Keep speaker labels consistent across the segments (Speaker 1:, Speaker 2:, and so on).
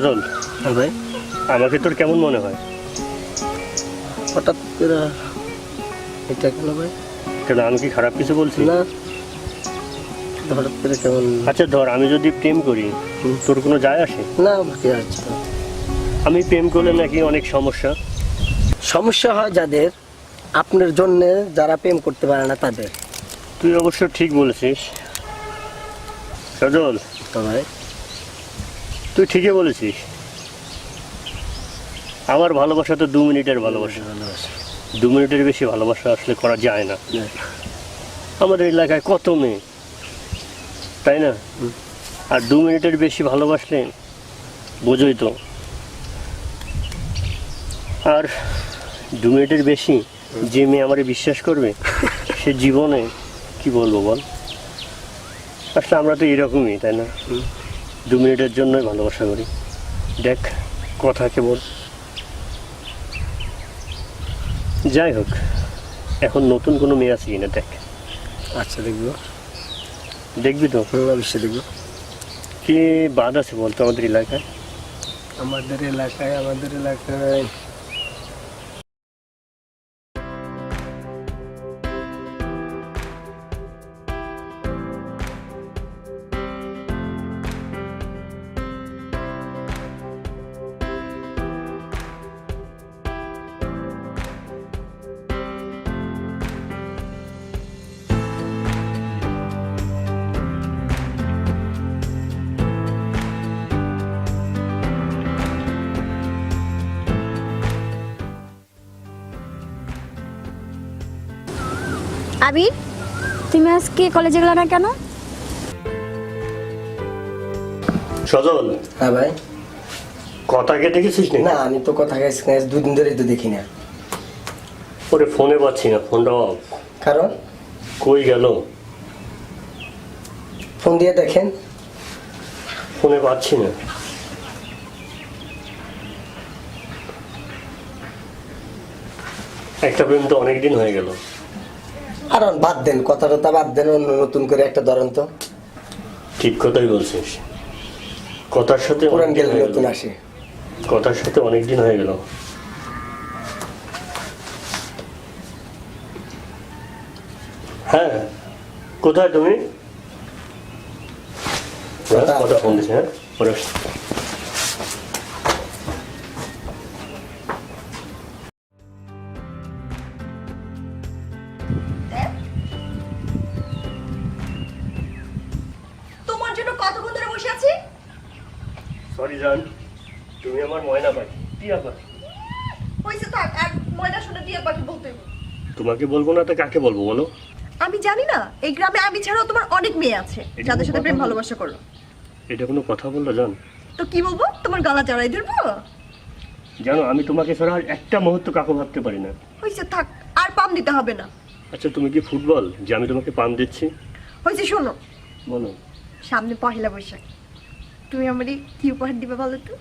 Speaker 1: সজল,
Speaker 2: হ্যাঁ ভাই।
Speaker 1: আমাকে তোর কেমন মনে হয়?
Speaker 2: হঠাৎ করে এটা কেন ভাই?
Speaker 1: কেন, আমি কি খারাপ কিছু বলছি?
Speaker 2: না, হঠাৎ করে কেমন?
Speaker 1: আচ্ছা ধর, আমি যদি প্রেম করি তোর কোনো যায় আসে?
Speaker 2: না কি আছে,
Speaker 1: আমি প্রেম করলে নাকি অনেক সমস্যা।
Speaker 2: সমস্যা হয় যাদের, আপনার জন্য যারা প্রেম করতে পারে না তাদের।
Speaker 1: তুই অবশ্য ঠিক বলেছিস সজল,
Speaker 2: তো ভাই
Speaker 1: তুই ঠিকই বলেছিস। আমার ভালোবাসা তো 2 মিনিটের ভালোবাসা,
Speaker 2: ভালোবাসা
Speaker 1: 2 মিনিটের বেশি ভালোবাসা আসলে করা যায় না। আমাদের এলাকায় কত মেয়ে, তাই না? আর 2 মিনিটের বেশি ভালোবাসলে বোঝোই তো। আর 2 মিনিটের বেশি যে মেয়ে আমারে বিশ্বাস করবে সে জীবনে কি বলবো বল। আসলে আমরা তো এরকমই, তাই না? 2 মিনিটের জন্যই ভালোবাসা করি। দেখ কথা কেবল। যাই হোক, এখন নতুন কোনো মেয়ে আছে কিনা দেখ।
Speaker 2: আচ্ছা দেখবো।
Speaker 1: দেখবি তো?
Speaker 2: অবশ্যই দেখবো।
Speaker 1: কি বাদ আছে বলতো আমাদের এলাকায়?
Speaker 2: আমাদের এলাকায়
Speaker 3: আবির, তুমি আজকে কলেজে গেলে না কেন?
Speaker 1: সজল,
Speaker 2: হ্যাঁ ভাই।
Speaker 1: কথা কেটে গেছিস না?
Speaker 2: না, আমি তো কথা গেছি 2 দিন ধরেই তো দেখি না।
Speaker 1: ওরে ফোনে পাচ্ছি না, ফোনটা অফ।
Speaker 2: কারণ
Speaker 1: কই গেল?
Speaker 2: ফোন দিয়ে দেখেন।
Speaker 1: ফোনে পাচ্ছি না। একটা প্রেম তো অনেকদিন হয়ে গেল।
Speaker 2: আর বাদ দেন, কথা টথা বাদ দেন, অন্য নতুন করে একটা ধরেন তো।
Speaker 1: ঠিক কথাই বলছিস, কথার সাথে
Speaker 2: পুরান
Speaker 1: অনেকদিন
Speaker 2: গেলে
Speaker 1: হয়ে
Speaker 2: নতুন
Speaker 1: গেল।
Speaker 2: আসে।
Speaker 1: কথার সাথে অনেকদিন হয়ে গেল। হ্যাঁ, কোথায় তুমি? কথা ফোন দিচ্ছে। হ্যাঁ, পরে আসছি।
Speaker 4: তোমার জন্য কতক্ষণ ধরে বসে আছি?
Speaker 1: সরি জান, তুমি আমার ময়না পাখি, টিয়া পাখি।
Speaker 4: হয়েছে থাক, আর ময়না শুনে দিয়ে বাকি বলতে হবে।
Speaker 1: তোমাকে বলবো না তো কাকে বলবো বলো?
Speaker 4: আমি জানি না, এই গ্রামে আমি ছাড়াও তোমার অনেক মেয়ে আছে
Speaker 1: এটা
Speaker 4: যাদের সাথে
Speaker 1: কোনো
Speaker 4: প্রেম
Speaker 1: কথা
Speaker 4: ভালোবাসা করো।
Speaker 1: এটা কোনো কথা বললো জান?
Speaker 4: তো কি বলবো, তোমার গলা জড়াই ধরবো?
Speaker 1: জানো আমি তোমাকে ছাড়া আর একটা মুহূর্ত কাকু ভাবতে পারি না।
Speaker 4: হয়েছে থাক, আর পাম দিতে হবে না।
Speaker 1: আচ্ছা তুমি কি ফুটবল যে আমি তোমাকে পাম দিচ্ছি?
Speaker 4: হয়েছে শোনো,
Speaker 1: বলো।
Speaker 4: সামনে পহেলা বৈশাখ, তুমি আমারে কি উপহার দিবে বলো তো?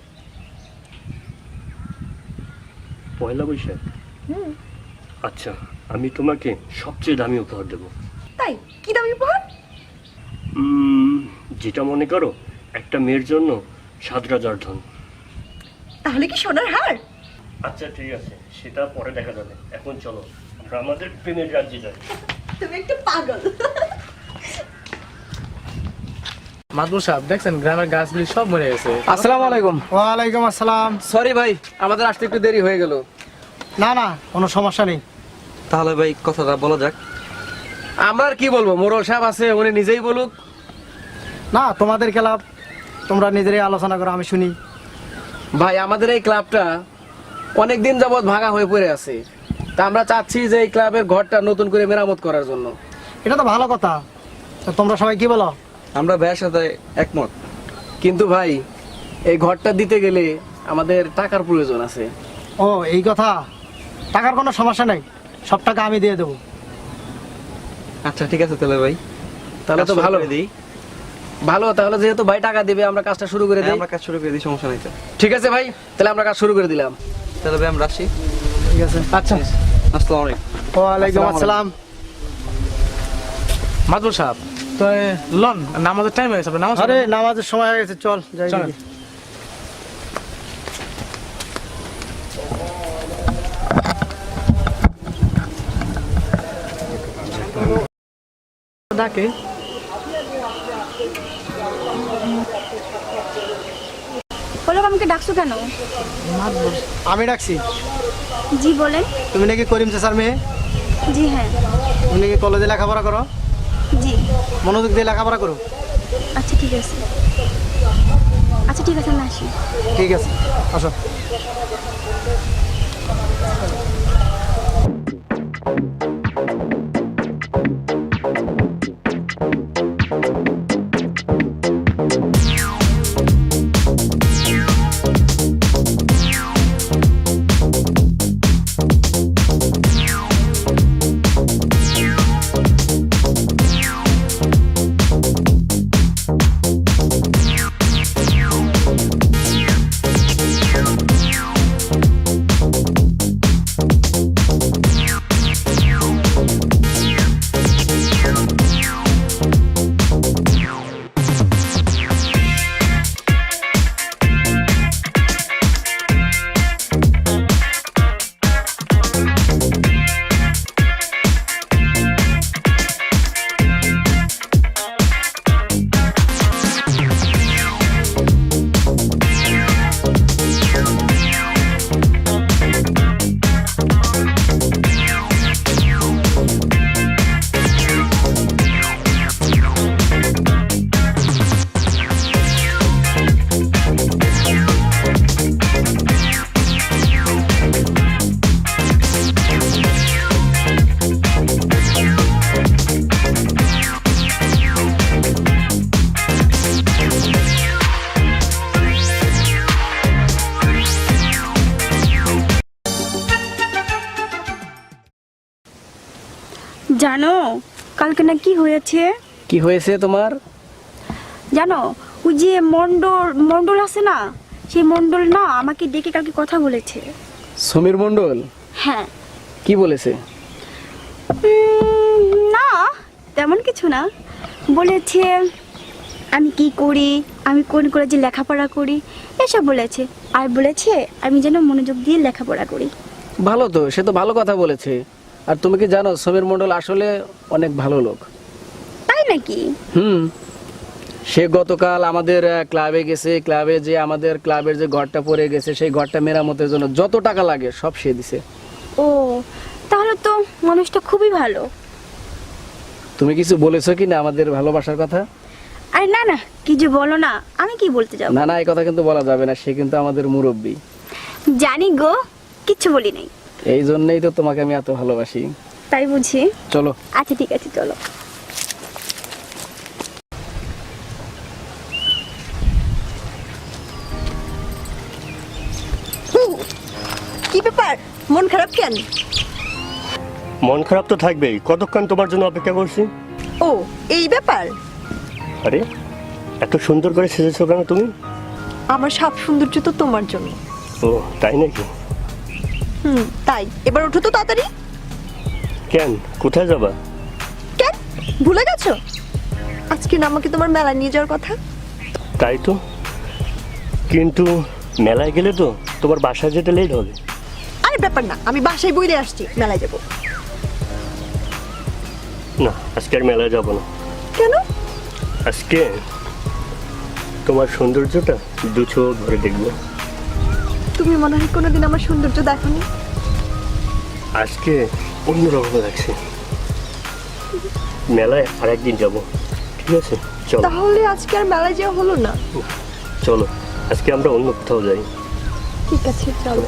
Speaker 1: পয়লা বৈশাখ? আচ্ছা, আমি তোমাকে সবচেয়ে দামি উপহার দেবো।
Speaker 4: তাই কি দামি উপহার?
Speaker 1: যেটা মনে করো, একটা মেয়ের জন্য 7,000 ধন।
Speaker 4: তাহলে কি সোনার হার?
Speaker 1: আচ্ছা ঠিক আছে, সেটা পরে দেখা যাবে। এখন চলো আমরা আমাদের প্রেমের রাজ্যে যাই।
Speaker 4: তুমি একটু পাগল।
Speaker 5: মাদবুর সাহেব দেখছেন গ্রামের গাছগুলি সব মরে গেছে।
Speaker 6: আসসালামু আলাইকুম।
Speaker 7: ওয়ালাইকুম আসসালাম।
Speaker 6: সরি ভাই, আমাদের আসতে একটু দেরি হয়ে গেল।
Speaker 7: না না, কোনো সমস্যা নেই।
Speaker 6: তাহলে ভাই কথাটা বলা যাক। আমরা আর কি বলবো, মোরল সাহেব আছে, উনি নিজেই বলুক।
Speaker 7: না, তোমাদের ক্লাব, তোমরা নিজেরাই আলোচনা করো, আমি শুনি।
Speaker 6: ভাই আমাদের এই ক্লাবটা অনেক দিন যাবৎ ভাঙা হয়ে পড়ে আছে, তা আমরা চাচ্ছি যে এই ক্লাবের ঘরটা নতুন করে মেরামত করার জন্য।
Speaker 7: এটা তো ভালো কথা, তা তোমরা সবাই কি বলো?
Speaker 6: আমরা ভাইয়ের সাথে একমত। কিন্তু ভাই এই ঘরটা দিতে গেলে আমাদের টাকার প্রয়োজন আছে।
Speaker 7: ও এই কথা, টাকার কোনো সমস্যা নেই, সব টাকা আমি দিয়ে দেবো।
Speaker 6: আচ্ছা ঠিক আছে তাহলে ভাই, তাহলে তো ভালো ভালো। তাহলে যেহেতু ভাই টাকা দিবে, আমরা কাজটা শুরু করে দিই।
Speaker 8: আমরা কাজ শুরু করে দিই, সমস্যা নাই তো।
Speaker 6: ঠিক আছে ভাই, তাহলে আমরা কাজ শুরু করে দিলাম।
Speaker 8: তাহলে ভাই আমরা আসি।
Speaker 7: ঠিক আছে,
Speaker 6: আচ্ছা
Speaker 8: আসসালামু আলাইকুম।
Speaker 7: ওয়ালাইকুম আসসালাম।
Speaker 5: মাদবুর সাহেব তো লন, নামাজের টাইম হয়েছে, নামাজ
Speaker 7: আরে নামাজের সময় হয়ে গেছে, চল যাই।
Speaker 5: চলেন।
Speaker 7: দেখি।
Speaker 5: ডাকে।
Speaker 3: বলো আমাকে ডাকছো কেন?
Speaker 7: আমি ডাকছি।
Speaker 3: জি বলেন।
Speaker 7: তুমি নাকি করিম চাচার মেয়ে?
Speaker 3: জি হ্যাঁ।
Speaker 7: তুমি নাকি কলেজে লেখাপড়া করো?
Speaker 3: জি।
Speaker 7: মনোযোগ দিয়ে লেখাপড়া করো।
Speaker 3: আচ্ছা ঠিক আছে, আচ্ছা ঠিক আছে, আমি আসি।
Speaker 7: ঠিক আছে, আসো।
Speaker 3: জানো কালকে না কি হয়েছে?
Speaker 6: কি হয়েছে তোমার?
Speaker 3: জানো ওই যে মন্ডল আছে না, সেই মন্ডল না আমাকে ডেকে কালকে কথা বলেছে।
Speaker 6: সমীর মণ্ডল?
Speaker 3: হ্যাঁ।
Speaker 6: কি বলেছে?
Speaker 3: না তেমন কিছু না, বলেছে আমি কি করি, আমি কোন কলেজে লেখাপড়া করি এসব বলেছে, আর বলেছে আমি যেন মনোযোগ দিয়ে লেখাপড়া করি।
Speaker 6: ভালো তো, সে তো ভালো কথা বলেছে। আর তুমি কি জানো সমীর মণ্ডল আসলে অনেক ভালো লোক।
Speaker 3: তাই নাকি?
Speaker 6: সে গতকাল আমাদের ক্লাবে গেছে, ক্লাবে যে আমাদের ক্লাবের যে ঘরটা পড়ে গেছে সেই ঘরটা মেরামতের জন্য যত টাকা লাগে সব সে দিছে।
Speaker 3: ও তাহলে তো মানুষটা খুবই ভালো।
Speaker 6: তুমি কিছু বলেছো কি না আমাদের ভালোবাসার কথা?
Speaker 3: আরে না না, কি যে বলো না, আমি কি বলতে যাব?
Speaker 6: না না, এই কথা কিন্তু বলা যাবে না, সে কিন্তু আমাদের মুরব্বী।
Speaker 3: জানি গো, কিচ্ছু বলি নাই।
Speaker 6: এই জন্যই তো তোমাকে আমি এত ভালোবাসি।
Speaker 3: তাই বুঝি?
Speaker 6: চলো।
Speaker 3: আচ্ছা ঠিক আছে, চলো।
Speaker 4: কি ব্যাপার, মন খারাপ কেন?
Speaker 1: মন খারাপ তো থাকবেই, কতক্ষণ তোমার জন্য অপেক্ষা করছি।
Speaker 4: ও এই ব্যাপার।
Speaker 1: আরে এত সুন্দর করে সেজেছো কেন তুমি?
Speaker 4: আমার সব সৌন্দর্য তো তোমার জন্য।
Speaker 1: ও তাই নাকি?
Speaker 4: তাই এবার ওঠো তো তাড়াতাড়ি।
Speaker 1: কেন, কোথায় যাবা?
Speaker 4: কেন ভুলে গেছো আজকে না আমাকে তোমার মেলা নিয়ে যাওয়ার কথা?
Speaker 1: তাই তো, কিন্তু মেলায় গেলে তো তোমার বাসায় যেতে লেট হবে।
Speaker 4: আরে ব্যাপার না, আমি বাসায় বইরে আসছি, মেলায় যাব
Speaker 1: না, আজকে আর মেলায় যাবো না।
Speaker 4: কেন?
Speaker 1: আজকে তোমার সৌন্দর্যটা দু চোখ ভরে দেখবো।
Speaker 4: তুমি মনে হয় কোনোদিন আমার সৌন্দর্য দেখোনি।
Speaker 1: আজকে অন্যরকম লাগছে। মেলায় আর একদিন যাবো, ঠিক আছে? চলো।
Speaker 4: তাহলে আজকে আর মেলায় যাওয়া হলো না।
Speaker 1: চলো আজকে আমরা অন্য কোথাও যাই।
Speaker 4: ঠিক আছে চলো।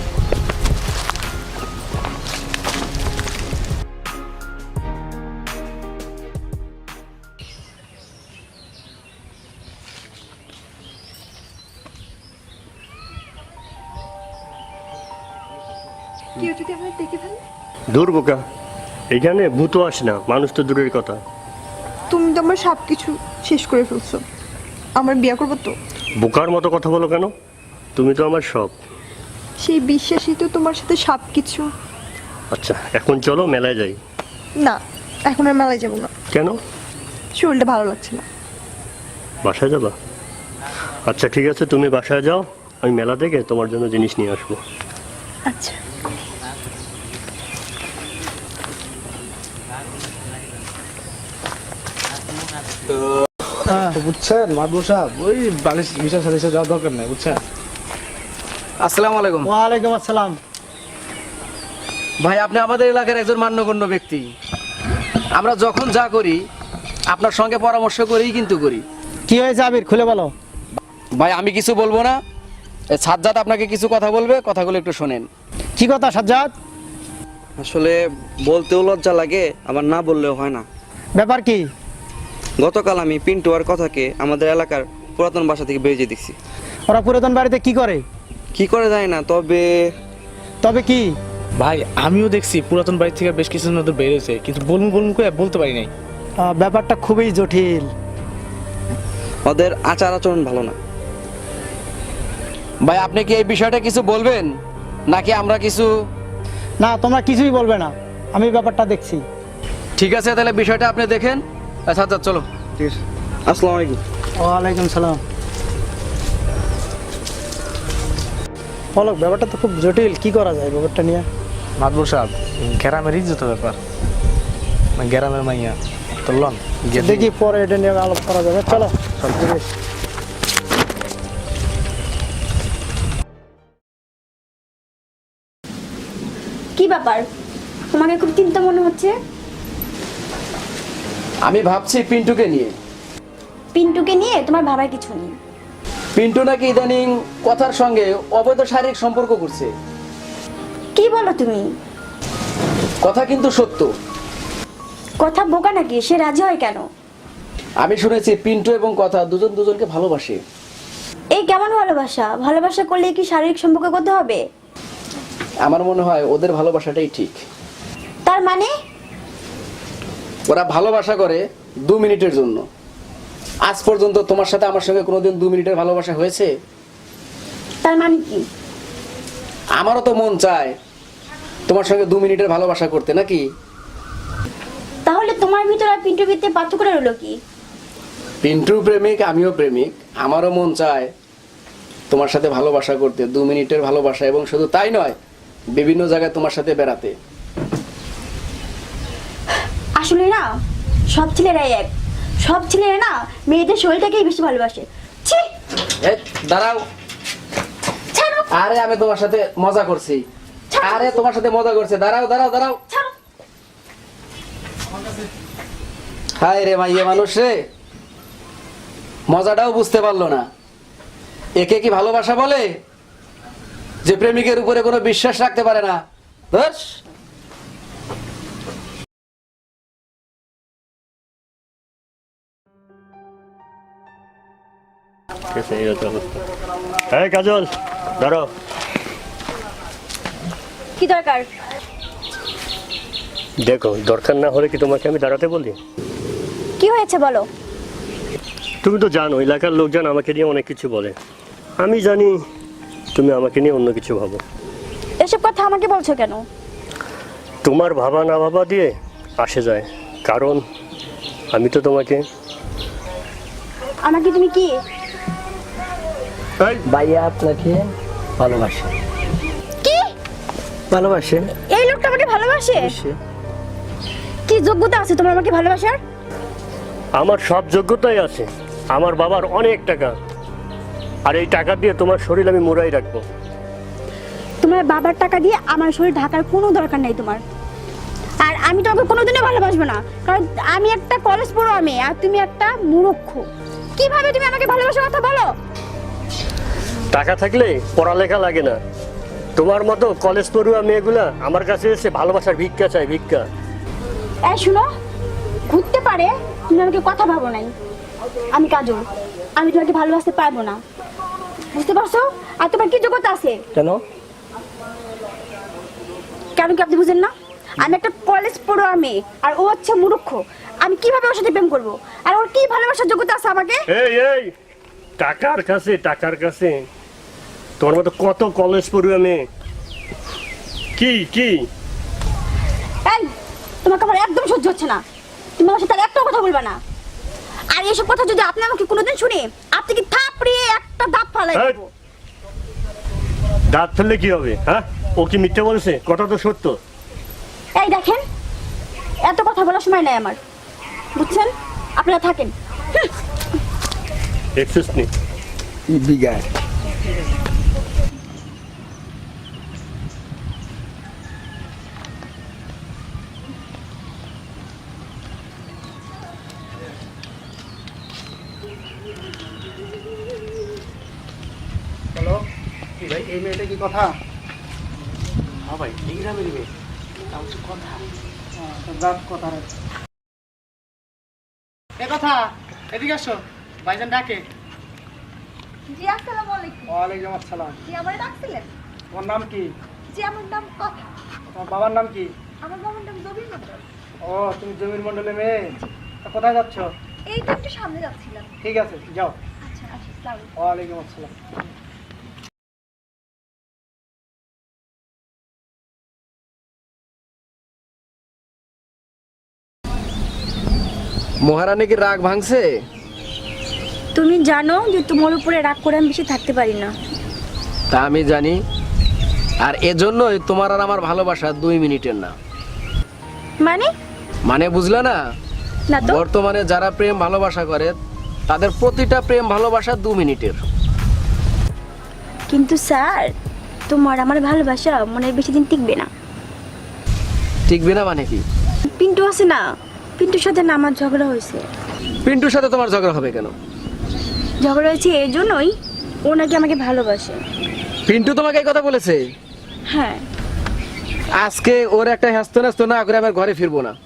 Speaker 4: কেউ যদি আমরা দেখে ফেলে?
Speaker 1: দূর বোকা, এখানে ভূতও আসে না, মানুষ তো দূরের কথা।
Speaker 4: তুমি তো আমার সব কিছু শেষ করে ফেলছো, আমার বিয়ে করবো তো?
Speaker 1: বোকার মতো কথা বলো কেন? তুমি তো আমার সব।
Speaker 4: সেই বিশ্বাসই তো তোমার সাথে সব কিছু।
Speaker 1: আচ্ছা এখন চলো মেলায় যাই।
Speaker 4: না এখন আর মেলায় যাবো না।
Speaker 1: কেন?
Speaker 4: শরীরটা ভালো লাগছে না।
Speaker 1: বাসায় যাবা? আচ্ছা ঠিক আছে, তুমি বাসায় যাও, আমি মেলা থেকে তোমার জন্য জিনিস নিয়ে আসবো।
Speaker 4: আচ্ছা।
Speaker 7: হ্যাঁ,
Speaker 5: তো বুঝছেন মাদবর সাহেব ওই বালিশ বিশাল সাথে যাওয়ার দরকার নাই বুঝছেন।
Speaker 6: আসসালামু আলাইকুম
Speaker 7: ওয়ালাইকুম আসসালাম।
Speaker 6: ভাই, আপনি আমাদের এলাকার একজন মান্যগণ্য ব্যক্তি। আমরা যখন যা করি আপনার সঙ্গে পরামর্শ করেই কিন্তু করি।
Speaker 7: কি হয়েছে আবির, খুলে বলো।
Speaker 6: ভাই, আমি কিছু বলবো না, এই সাজ্জাদ আপনাকে কিছু কথা বলবে, কথাগুলো একটু শোনেন।
Speaker 7: কি কথা সাজ্জাদ?
Speaker 8: আসলে বলতেও লজ্জা লাগে, আবার না বললেও হয় না।
Speaker 7: ব্যাপার কি?
Speaker 8: গতকাল আমি পিন্টু আর কথাকে আমাদের এলাকার পুরাতন বাসা থেকে বেরিয়ে দেখছি।
Speaker 7: ওরা পুরাতন বাড়িতে কি করে?
Speaker 8: কি করে যায় না, তবে
Speaker 7: তবে কি?
Speaker 5: ভাই আমিও দেখছি পুরাতন বাড়ি থেকে বেশ কিছু নতুন বেরিয়েছে, কিন্তু বলুন বলুন করে বলতে পারি নাই।
Speaker 7: ব্যাপারটা খুবই জটিল।
Speaker 8: ওদের আচার আচরণ ভালো না।
Speaker 6: ভাই, আপনি কি এই বিষয়টা কিছু বলবেন নাকি আমরা কিছু?
Speaker 7: না, তোমরা কিছুই বলবে না, আমি ব্যাপারটা দেখছি।
Speaker 6: ঠিক আছে, তাহলে বিষয়টা আপনি দেখেন। সাজ্জাদ চলো।
Speaker 8: ঠিক আছে, আসসালামু আলাইকুম।
Speaker 7: ওয়ালাইকুম সালাম। বলো, ব্যাপারটা তো খুব জটিল, কি করা যায় ব্যাপারটা নিয়ে?
Speaker 5: মাদবর সাহেব গ্রামের ইজ্জত ব্যাপার, গ্রামের মাইয়া তো লন
Speaker 7: দেখি পরে এটা নিয়ে আলাপ করা যাবে, চলো।
Speaker 3: কি ব্যাপার, তোমাকে খুব চিন্তা মনে হচ্ছে?
Speaker 6: আমি ভাবছি পিন্টুকে নিয়ে।
Speaker 3: পিন্টুকে নিয়ে তোমার ভাবার কিছু নেই।
Speaker 6: পিন্টু নাকি ইদানিং কথার সঙ্গে অবৈধ শারীরিক সম্পর্ক করছে।
Speaker 3: কি বলো তুমি?
Speaker 6: কথা কিন্তু সত্য।
Speaker 3: কথা বোকা নাকি? সে রাজি হয় কেন?
Speaker 6: আমি শুনেছি পিন্টু এবং কথা দুজন দুজনকে ভালোবাসে।
Speaker 3: এই কেমন ভালোবাসা? ভালোবাসা করলে কি শারীরিক সম্পর্ক করতে হবে?
Speaker 6: আমার মনে হয় ওদের ভালোবাসাটাই ঠিক।
Speaker 3: তার মানে?
Speaker 6: ওরা ভালোবাসা করে 2 মিনিটের জন্য। আজ পর্যন্ত তোমার সাথে আমার সঙ্গে কোনোদিন 2 মিনিটের ভালোবাসা হয়েছে?
Speaker 3: তার মানে কি?
Speaker 6: আমারও তো মন চায় তোমার সঙ্গে 2 মিনিটের ভালোবাসা করতে, নাকি?
Speaker 3: তাহলে তোমার ভিতরে আর পিন্টুর ভিতরে পার্থক্য রইল কি?
Speaker 6: পিন্টু প্রেমিক, আমিও প্রেমিক। আমারও মন চায় তোমার সাথে ভালোবাসা করতে, 2 মিনিটের ভালোবাসা, এবং শুধু তাই নয়, বিভিন্ন জায়গায় তোমার সাথে বেড়াতে।
Speaker 3: আসলে না, সব ছেলেরাই এক। সব ছেলেরা না মেয়েদের শরীরটাকেই বেশি ভালোবাসে। ছি!
Speaker 6: এই, দাঁড়াও।
Speaker 3: ছাড়ো!
Speaker 6: আরে আমি তোমার সাথে মজা করছি। আরে তোমার সাথে মজা করছে। দাঁড়াও দাঁড়াও দাঁড়াও।
Speaker 3: ছাড়ো!
Speaker 6: হায় রে মাইয়ে মানুষ রে, মজাটাও বুঝতে পারলো না। একে কি ভালোবাসা বলে, যে প্রেমিকের উপরে কোনো বিশ্বাস রাখতে পারে না? ধস।
Speaker 1: এই হচ্ছে অবস্থা। হ্যাঁ কাজল, ধরো।
Speaker 3: কি দরকার?
Speaker 1: দেখো, দরকার না হলে কি তোমাকে আমি দাঁড়াতে বলি?
Speaker 3: কি হয়েছে বলো?
Speaker 1: তুমি তো জানো এলাকার লোকজন আমাকে নিয়ে অনেক কিছু বলে। আমি জানি তুমি আমাকে নিয়ে অন্য কিছু ভাবো।
Speaker 3: এসব কথা আমাকে বলছো কেন?
Speaker 1: তোমার ভাবা না ভাবা দিয়ে আসে যায়, কারণ আমি তো তোমাকে।
Speaker 3: আমাকে তুমি কি?
Speaker 1: এই,
Speaker 2: ভাইয়া আপনাকে ভালোবাসে।
Speaker 3: কি
Speaker 2: ভালোবাসে?
Speaker 3: এই লোকটা আমাকে ভালোবাসে? কি যোগ্যতা আছে তোমার আমাকে ভালোবাসার?
Speaker 1: আমার সব যোগ্যতাই আছে। আমার বাবার অনেক টাকা, আর এই টাকা দিয়ে তোমার শরীর আমি মোড়াই রাখবো।
Speaker 3: তোমার বাবার টাকা দিয়ে আমার শরীর ঢাকার কোনো দরকার নেই তোমার। আর আমি তোমাকে কোনোদিনও ভালোবাসবো না, কারণ আমি একটা কলেজ পড়ো আমি, আর তুমি একটা মূর্খ। কিভাবে তুমি আমাকে ভালোবাসার কথা বলো?
Speaker 1: টাকা থাকলে পড়ালেখা লাগে না। তোমার মতো কলেজ পড়ুয়া মেয়েগুলা আমার কাছে এসে ভালোবাসার ভিক্ষা চায়, ভিক্ষা।
Speaker 3: এই শুনো, ঘুরতে পারে তুমি আমাকে কথা ভাবো নাই। আমি কাজল, আমি তোমাকে ভালোবাসতে পারবো না, বুঝতে পারছো? আর তোমার কি যোগ্যতা আছে?
Speaker 2: কেন?
Speaker 3: কেন কি আপনি বুঝেন না? আমি একটা কলেজ পড়ুয়া মেয়ে, আর ও হচ্ছে মূর্খ। আমি কিভাবে ওর সাথে প্রেম করবো? আর ওর কি ভালোবাসার যোগ্যতা আছে আমাকে?
Speaker 1: এই এই, টাকার কাছে, টাকার কাছে তোমার মতো কত কলেজ পড়ুয়া মেয়ে। কি কি
Speaker 3: এই, তোমাকে আমার একদম সহ্য হচ্ছে না। তুমি আমার সাথে আর একটাও কথা বলবে না। আর এইসব কথা যদি আপনি আমাকে কোনোদিন শুনে, আপনি কি থাপড়িয়ে একটা দাঁত ফালাই
Speaker 1: এই!
Speaker 3: দেবো।
Speaker 1: দাঁত ফেললে কি হবে? হ্যাঁ, ও কি মিথ্যে বলেছে? কথা তো সত্য।
Speaker 3: এই দেখেন, এত কথা বলার সময় নাই আমার, বুঝছেন? আপনারা থাকেন,
Speaker 1: দেখছিস নি?
Speaker 2: বিগার
Speaker 7: হ্যালো কি ভাই, এই মেয়েটা কি কথা?
Speaker 5: হ্যাঁ ভাই এই গ্রামেরই মেয়ে
Speaker 7: কথা রে। এ কথা, এদিকে আসো, ভাইজান ডাকে।
Speaker 4: জি আসসালামু আলাইকুম।
Speaker 7: ওয়ালাইকুম আসসালাম।
Speaker 4: জি আমারে ডাকছিলেন?
Speaker 7: তোমার নাম কি?
Speaker 4: জি আমার নাম কথা।
Speaker 7: তোমার বাবার নাম কি?
Speaker 4: আমার বাবার নাম জবির মন্ডল।
Speaker 7: ও, তুমি জমির মন্ডলের মেয়ে। তা কোথায় যাচ্ছ?
Speaker 4: এই তো একটু সামনে যাচ্ছিলাম।
Speaker 7: ঠিক আছে, যাও।
Speaker 4: আচ্ছা আসি, আসসালামু আলাইকুম।
Speaker 7: ওয়ালাইকুম আসসালাম।
Speaker 6: মহারানী কি রাগ ভাঙছে?
Speaker 3: তুমি জানো যে তোমার উপরে রাগ করে আমি বেশি থাকতে পারি না।
Speaker 6: তা আমি জানি, আর এজন্যই তোমার আর আমার ভালোবাসা 2 মিনিটের না।
Speaker 3: মানে?
Speaker 6: মানে বুঝলে না?
Speaker 3: না তো।
Speaker 6: বর্তমানে যারা প্রেম ভালোবাসা করে তাদের প্রতিটা প্রেম ভালোবাসা 2 মিনিটের।
Speaker 3: কিন্তু স্যার, তোমার আমার ভালোবাসা মনে হয় বেশি দিন টিকবে না।
Speaker 6: টিকবে না মানে কি?
Speaker 3: পিন্টু আছে না, পিন্টুর সাথে না আমার ঝগড়া হয়েছে।
Speaker 6: পিন্টুর সাথে তোমার ঝগড়া হবে কেন?
Speaker 3: ঝগড়া হয়েছে এই জন্যই, ও নাকি আমাকে ভালোবাসে।
Speaker 6: পিন্টু তোমাকে এই কথা বলেছে?
Speaker 3: হ্যাঁ।
Speaker 6: আজকে ওর একটা হ্যাস্ত ন্যাস্ত না করে আমার ঘরে ফিরবো না।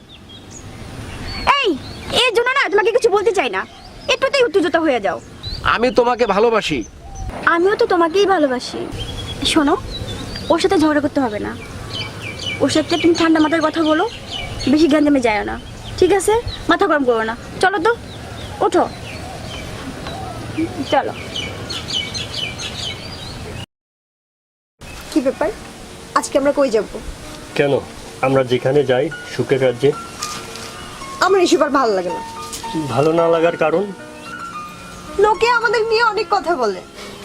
Speaker 3: এই জন্য না তোমাকে কিছু বলতে চাই না, একটুতেই উত্তেজিত হয়ে যাও।
Speaker 6: আমি তোমাকে ভালোবাসি।
Speaker 3: আমিও তো তোমাকেই ভালোবাসি। শোনো, ওর সাথে ঝগড়া করতে হবে না। ওর সাথে তুমি ঠান্ডা মাথায় কথা বলো, বেশি গ্যাঞ্জামে যায় না, ঠিক আছে? মাথা গরম করো না। চলো তো, ওঠো, চলো।
Speaker 4: কি ব্যাপার, আজকে আমরা কই যাব?
Speaker 1: কেন? আমরা যেখানে যাই সুখের রাজ্যে।
Speaker 4: আমার এসব আর ভালো লাগে না।
Speaker 1: ভালো না লাগার কারণ?
Speaker 4: লোকে আমাদের নিয়ে অনেক কথা বলে,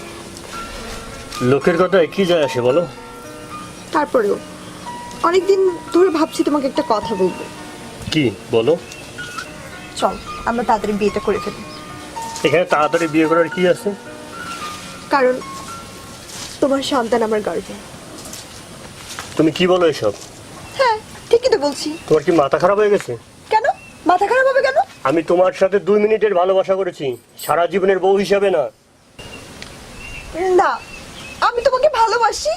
Speaker 1: লোকের কথায় কি যায় আসে বলো?
Speaker 4: তারপরেও অনেকদিন ধরে ভাবছি তোমাকে একটা কথা বলবো।
Speaker 1: কি বলো?
Speaker 4: চল আমরা তাড়াতাড়ি বিয়েটা করে ফেলি।
Speaker 1: এখানে তাড়াতাড়ি বিয়ে করার কি আছে?
Speaker 4: কারণ তোমার সন্তান আমার গর্ভে।
Speaker 1: তুমি কি বলো এসব?
Speaker 4: হ্যাঁ ঠিকই তো বলছি।
Speaker 1: তোমার কি মাথা খারাপ হয়ে গেছে?
Speaker 4: কেন মাথা খারাপ হবে কেন?
Speaker 1: আমি তোমার সাথে 2 মিনিটের ভালোবাসা করেছি, সারা জীবনের বউ হিসাবে না।
Speaker 4: না, আমি তোমাকে ভালোবাসি।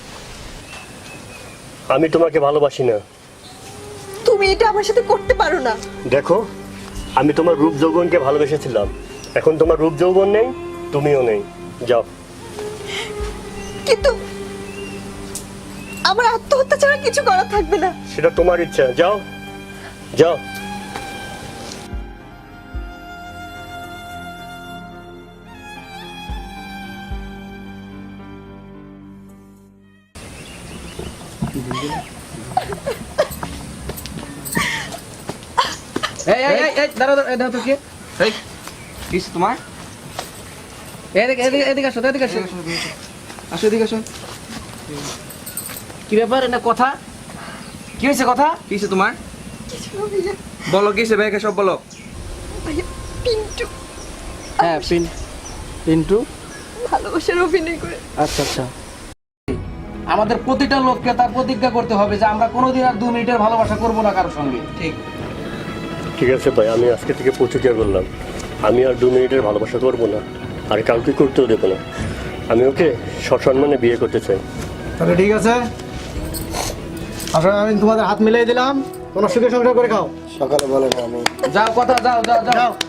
Speaker 1: আমি তোমাকে ভালোবাসি না।
Speaker 4: তুমি এটা আমার সাথে করতে পারো না।
Speaker 1: দেখো, আমি তোমার রূপ যৌবনকে ভালোবেসেছিলাম, এখন তোমার রূপ যৌবন নেই, তুমিও নেই, যাও।
Speaker 4: কিন্তু আমার আত্মহত্যা ছাড়া কিছু করার থাকবে না।
Speaker 1: সেটা তোমার ইচ্ছা, যাও যাও।
Speaker 6: এই এই এই এই দাঁড়াও দাঁড়াও, এই দাঁড়াও তো কি?
Speaker 8: এই কিছু তোমার
Speaker 6: এদিকে এদিকে এদিকে আসো, এদিকে আসো, আসো এদিকে আসো। কি ব্যাপার, এটা কথা কি হয়েছে? কথা
Speaker 8: কিছু তোমার
Speaker 4: কিছু হবে না।
Speaker 8: বলো, কিসে ব্যাগে সব বলো।
Speaker 4: ভাইয়া, পিন্টু
Speaker 6: হ্যাঁ পিন্টু
Speaker 4: ভালোবাসার অভিনয় করে।
Speaker 6: আচ্ছা আচ্ছা। আমাদের প্রতিটা লোককে তার প্রতিজ্ঞা করতে হবে যে আমরা কোনোদিন আর 2 মিনিটের ভালোবাসা করবো না কারোর সঙ্গে।
Speaker 8: ঠিক
Speaker 1: ঠিক আছে ভাই, আমি আজকে থেকে প্রতিজ্ঞা করলাম, আমি আর 2 মিনিটের ভালোবাসা করবো না, আর কাউকে করতেও দেবো না। আমি ওকে সসম্মানে বিয়ে করতে চাই।
Speaker 7: তাহলে ঠিক আছে, আসলে আমি তোমাদের হাত মিলিয়ে দিলাম, তোমরা সুখে সংসার করে খাও।
Speaker 2: সকালে বলে না আমি
Speaker 6: যাও কথা, যাও যাও যাও।
Speaker 7: যাও।